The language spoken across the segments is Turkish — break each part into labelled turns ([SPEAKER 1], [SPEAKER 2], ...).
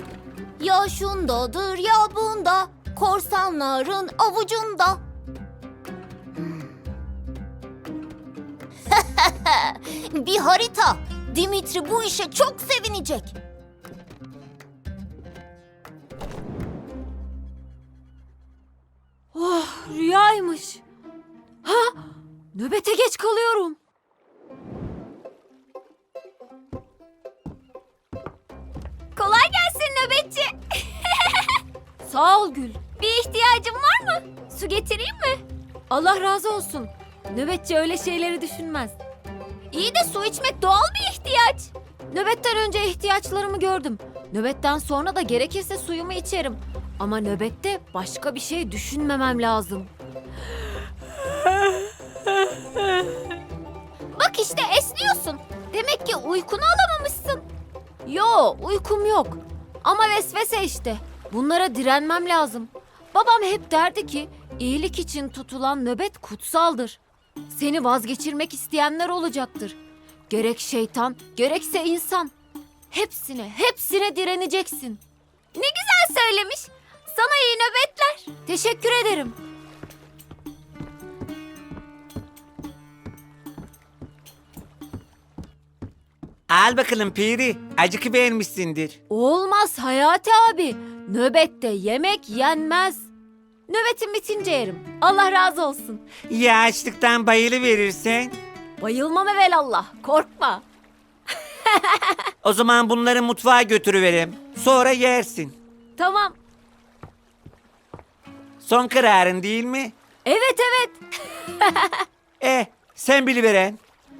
[SPEAKER 1] Ya şundadır ya bunda, korsanların avucunda. Bir harita. Dimitri bu işe çok sevinecek.
[SPEAKER 2] Oh, rüyaymış. Ha, nöbete geç kalıyorum.
[SPEAKER 1] Kolay gelsin nöbetçi.
[SPEAKER 2] Sağ ol Gül.
[SPEAKER 1] Bir ihtiyacın var mı? Su getireyim mi?
[SPEAKER 2] Allah razı olsun. Nöbetçi öyle şeyleri düşünmez.
[SPEAKER 1] İyi de su içmek doğal bir ihtiyaç.
[SPEAKER 2] Nöbetten önce ihtiyaçlarımı gördüm. Nöbetten sonra da gerekirse suyumu içerim. Ama nöbette başka bir şey düşünmemem lazım.
[SPEAKER 1] Bak işte esniyorsun. Demek ki uykunu alamamışsın.
[SPEAKER 2] Yo, uykum yok. Ama vesvese işte. Bunlara direnmem lazım. Babam hep derdi ki iyilik için tutulan nöbet kutsaldır. Seni vazgeçirmek isteyenler olacaktır. Gerek şeytan, gerekse insan. Hepsine direneceksin.
[SPEAKER 1] Ne güzel söylemiş. Sana iyi nöbetler.
[SPEAKER 2] Teşekkür ederim.
[SPEAKER 3] Al bakalım Piri. Acıkı beğenmişsindir.
[SPEAKER 2] Olmaz Hayati abi. Nöbette yemek yenmez. Nöbetim bitince yerim. Allah razı olsun.
[SPEAKER 3] Ya açlıktan bayılıverirsen?
[SPEAKER 2] Bayılmam evelallah. Korkma.
[SPEAKER 3] O zaman bunları mutfağa götürüverem. Sonra yersin.
[SPEAKER 2] Tamam.
[SPEAKER 3] Son kararın değil mi?
[SPEAKER 2] Evet.
[SPEAKER 3] Sen biliveren.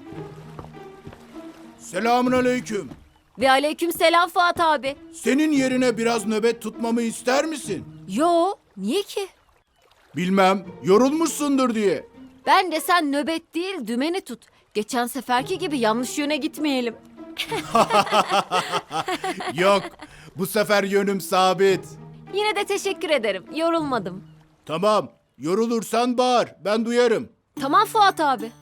[SPEAKER 4] Selamünaleyküm.
[SPEAKER 2] Ve aleyküm selam Fuat abi.
[SPEAKER 4] Senin yerine biraz nöbet tutmamı ister misin?
[SPEAKER 2] Yo, niye ki?
[SPEAKER 4] Bilmem, yorulmuşsundur diye.
[SPEAKER 2] Ben de sen nöbet değil dümeni tut. Geçen seferki gibi yanlış yöne gitmeyelim.
[SPEAKER 4] Yok, bu sefer yönüm sabit.
[SPEAKER 2] Yine de teşekkür ederim. Yorulmadım.
[SPEAKER 4] Tamam, yorulursan bağır, ben duyarım.
[SPEAKER 2] Tamam Fuat abi.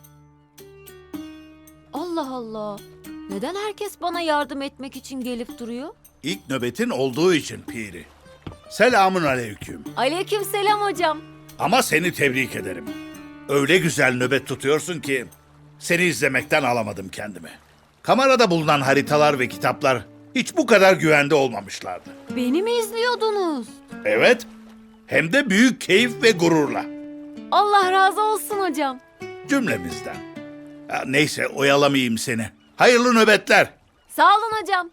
[SPEAKER 2] Allah Allah. Neden herkes bana yardım etmek için gelip duruyor?
[SPEAKER 5] İlk nöbetin olduğu için Piri. Selamun aleyküm.
[SPEAKER 2] Aleyküm selam hocam.
[SPEAKER 5] Ama seni tebrik ederim. Öyle güzel nöbet tutuyorsun ki seni izlemekten alamadım kendimi. Kamerada bulunan haritalar ve kitaplar hiç bu kadar güvende olmamışlardı.
[SPEAKER 2] Beni mi izliyordunuz?
[SPEAKER 5] Evet, hem de büyük keyif ve gururla.
[SPEAKER 2] Allah razı olsun hocam.
[SPEAKER 5] Cümlemizden. Ya neyse oyalamayayım seni. Hayırlı nöbetler.
[SPEAKER 2] Sağ olun hocam.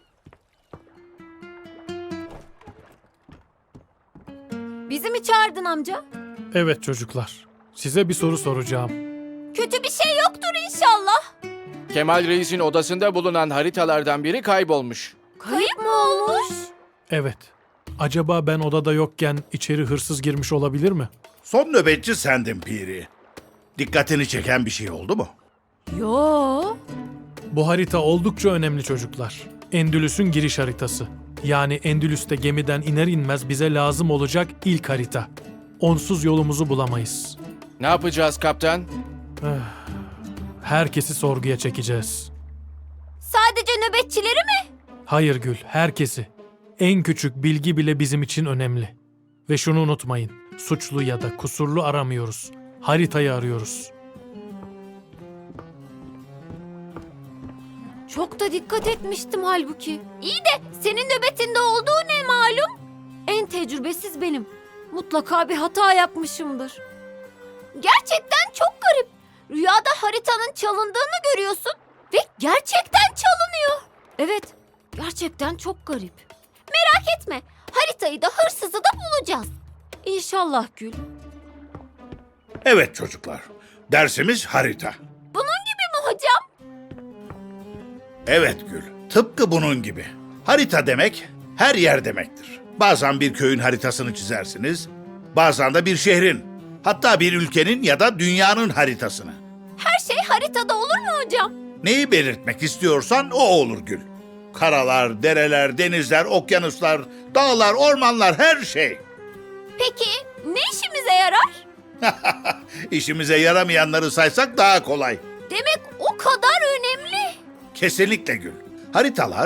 [SPEAKER 2] Bizi mi çağırdın amca?
[SPEAKER 6] Evet çocuklar. Size bir soru soracağım.
[SPEAKER 1] Kötü bir şey yoktur inşallah.
[SPEAKER 7] Kemal Reis'in odasında bulunan haritalardan biri kaybolmuş.
[SPEAKER 2] Kayıp mı olmuş?
[SPEAKER 6] Evet. Acaba ben odada yokken içeri hırsız girmiş olabilir mi?
[SPEAKER 5] Son nöbetçi sendin Piri. Dikkatini çeken bir şey oldu mu?
[SPEAKER 2] Yo.
[SPEAKER 6] Bu harita oldukça önemli çocuklar. Endülüs'ün giriş haritası. Yani Endülüs'te gemiden iner inmez bize lazım olacak ilk harita. Onsuz yolumuzu bulamayız.
[SPEAKER 7] Ne yapacağız kaptan?
[SPEAKER 6] Herkesi sorguya çekeceğiz.
[SPEAKER 1] Sadece nöbetçileri mi?
[SPEAKER 6] Hayır Gül, herkesi. En küçük bilgi bile bizim için önemli. Ve şunu unutmayın. Suçlu ya da kusurlu aramıyoruz. Haritayı arıyoruz.
[SPEAKER 2] Çok da dikkat etmiştim halbuki.
[SPEAKER 1] İyi de senin nöbetinde olduğu ne malum?
[SPEAKER 2] En tecrübesiz benim. Mutlaka bir hata yapmışımdır.
[SPEAKER 1] Gerçekten çok garip. Rüyada haritanın çalındığını görüyorsun ve gerçekten çalınıyor.
[SPEAKER 2] Evet, gerçekten çok garip.
[SPEAKER 1] Merak etme, haritayı da hırsızı da bulacağız.
[SPEAKER 2] İnşallah Gül.
[SPEAKER 5] Evet çocuklar. Dersimiz harita.
[SPEAKER 1] Bunun gibi mi hocam?
[SPEAKER 5] Evet Gül, tıpkı bunun gibi. Harita demek her yer demektir. Bazen bir köyün haritasını çizersiniz, bazen de bir şehrin, hatta bir ülkenin ya da dünyanın haritasını.
[SPEAKER 1] Her şey haritada olur mu hocam?
[SPEAKER 5] Neyi belirtmek istiyorsan o olur Gül. Karalar, dereler, denizler, okyanuslar, dağlar, ormanlar, her şey.
[SPEAKER 1] Peki ne işimize yarar?
[SPEAKER 5] İşimize yaramayanları saysak daha kolay.
[SPEAKER 1] Demek o kadar önemli.
[SPEAKER 5] Kesinlikle Gül. Haritalar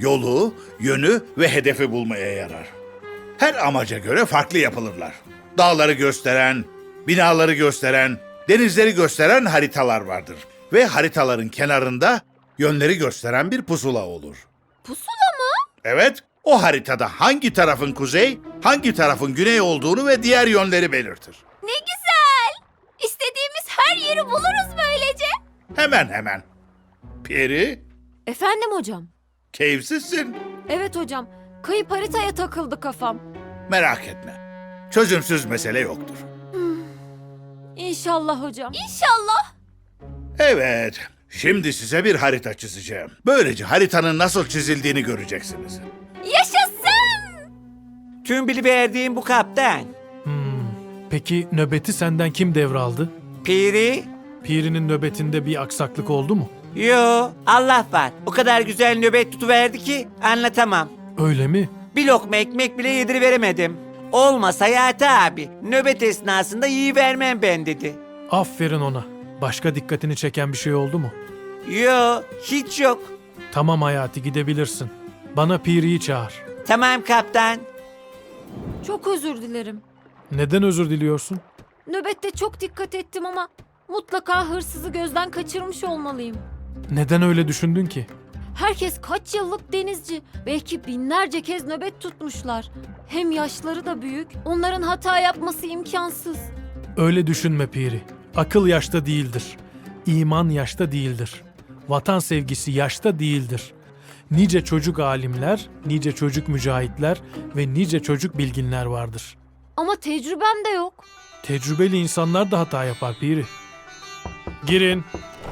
[SPEAKER 5] yolu, yönü ve hedefi bulmaya yarar. Her amaca göre farklı yapılırlar. Dağları gösteren, binaları gösteren, denizleri gösteren haritalar vardır. Ve haritaların kenarında yönleri gösteren bir pusula olur.
[SPEAKER 2] Pusula mı?
[SPEAKER 5] Evet, o haritada hangi tarafın kuzey, hangi tarafın güney olduğunu ve diğer yönleri belirtir.
[SPEAKER 2] Ne güzel. İstediğimiz her yeri buluruz böylece.
[SPEAKER 5] Hemen. Peri,
[SPEAKER 2] Efendim hocam.
[SPEAKER 5] keyifsizsin.
[SPEAKER 2] Evet hocam. Kayıp haritaya takıldı kafam.
[SPEAKER 5] Merak etme. Çözümsüz mesele yoktur.
[SPEAKER 2] İnşallah hocam. İnşallah.
[SPEAKER 5] Evet, şimdi size bir harita çizeceğim. Böylece haritanın nasıl çizildiğini göreceksiniz.
[SPEAKER 2] Yaşasın.
[SPEAKER 3] Tüm biliverdiğim bu kaptan.
[SPEAKER 6] Peki nöbeti senden kim devraldı?
[SPEAKER 3] Piri?
[SPEAKER 6] Piri'nin nöbetinde bir aksaklık oldu mu?
[SPEAKER 3] Yo, Allah var. O kadar güzel nöbet tutuverdi ki anlatamam.
[SPEAKER 6] Öyle mi?
[SPEAKER 3] Bir lokma ekmek bile yediriveremedim. Olmasa Hayati abi, nöbet esnasında yiyivermem ben dedi.
[SPEAKER 6] Aferin ona. Başka dikkatini çeken bir şey oldu mu?
[SPEAKER 3] Yo, hiç yok.
[SPEAKER 6] Tamam Hayati, gidebilirsin. Bana Piri'yi çağır.
[SPEAKER 3] Tamam kaptan.
[SPEAKER 2] Çok özür dilerim.
[SPEAKER 6] Neden özür diliyorsun?
[SPEAKER 2] Nöbette çok dikkat ettim ama mutlaka hırsızı gözden kaçırmış olmalıyım.
[SPEAKER 6] Neden öyle düşündün ki?
[SPEAKER 2] Herkes kaç yıllık denizci. Belki binlerce kez nöbet tutmuşlar. Hem yaşları da büyük. Onların hata yapması imkansız.
[SPEAKER 6] Öyle düşünme Piri. Akıl yaşta değildir. İman yaşta değildir. Vatan sevgisi yaşta değildir. Nice çocuk alimler, nice çocuk mücahitler ve nice çocuk bilginler vardır.
[SPEAKER 2] Ama tecrübem de yok.
[SPEAKER 6] Tecrübeli insanlar da hata yapar Piri. Girin.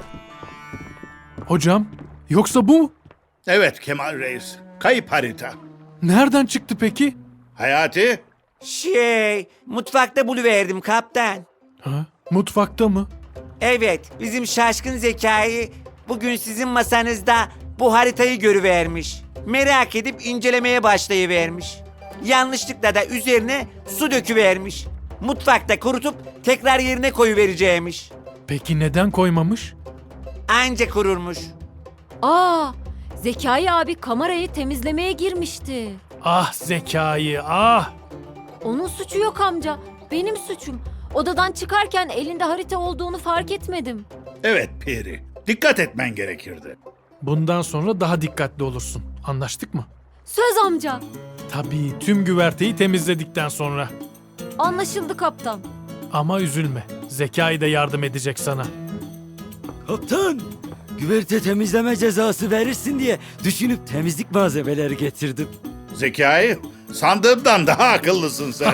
[SPEAKER 6] Hocam, yoksa bu mu?
[SPEAKER 5] Evet Kemal Reis, kayıp harita.
[SPEAKER 6] Nereden çıktı peki?
[SPEAKER 5] Hayati,
[SPEAKER 3] Mutfakta buluverdim kaptan.
[SPEAKER 6] Ha? Mutfakta mı?
[SPEAKER 3] Evet, bizim şaşkın zekayı bugün sizin masanızda bu haritayı görüvermiş. Merak edip incelemeye başlayıvermiş. Yanlışlıkla da üzerine su döküvermiş. Mutfakta kurutup tekrar yerine koyuvereceğimiş.
[SPEAKER 6] Peki neden koymamış?
[SPEAKER 3] Anca kururmuş.
[SPEAKER 2] Aa, Zekai abi kamerayı temizlemeye girmişti.
[SPEAKER 6] Ah Zekai, ah!
[SPEAKER 2] Onun suçu yok amca. Benim suçum. Odadan çıkarken elinde harita olduğunu fark etmedim.
[SPEAKER 5] evet Peri, dikkat etmen gerekirdi.
[SPEAKER 6] Bundan sonra daha dikkatli olursun. Anlaştık mı?
[SPEAKER 2] Söz amca.
[SPEAKER 6] Tabii, tüm güverteyi temizledikten sonra.
[SPEAKER 2] Anlaşıldı kaptan.
[SPEAKER 6] Ama üzülme, Zekai de yardım edecek sana.
[SPEAKER 8] Kaptan, güverte temizleme cezası verirsin diye düşünüp temizlik malzemeleri getirdim.
[SPEAKER 5] Zekai, sandığımdan daha akıllısın sen.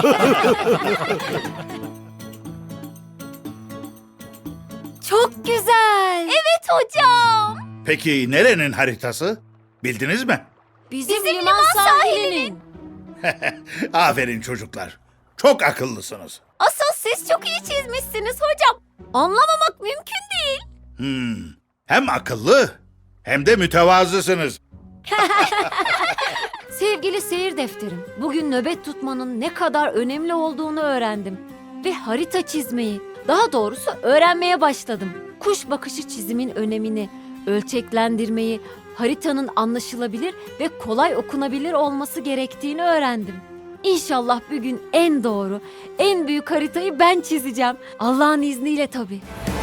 [SPEAKER 2] Çok güzel. Evet hocam.
[SPEAKER 5] Peki nerenin haritası? Bildiniz mi?
[SPEAKER 2] Bizim liman sahilinin.
[SPEAKER 5] Aferin çocuklar, çok akıllısınız.
[SPEAKER 2] Asıl siz çok iyi çizmişsiniz hocam. Anlamamak mümkün değil.
[SPEAKER 5] Hem akıllı hem de mütevazısınız.
[SPEAKER 2] Sevgili seyir defterim, bugün nöbet tutmanın ne kadar önemli olduğunu öğrendim. Ve harita çizmeyi, daha doğrusu öğrenmeye başladım. Kuş bakışı çizimin önemini, ölçeklendirmeyi, haritanın anlaşılabilir ve kolay okunabilir olması gerektiğini öğrendim. İnşallah bir gün en doğru, en büyük haritayı ben çizeceğim. Allah'ın izniyle tabii.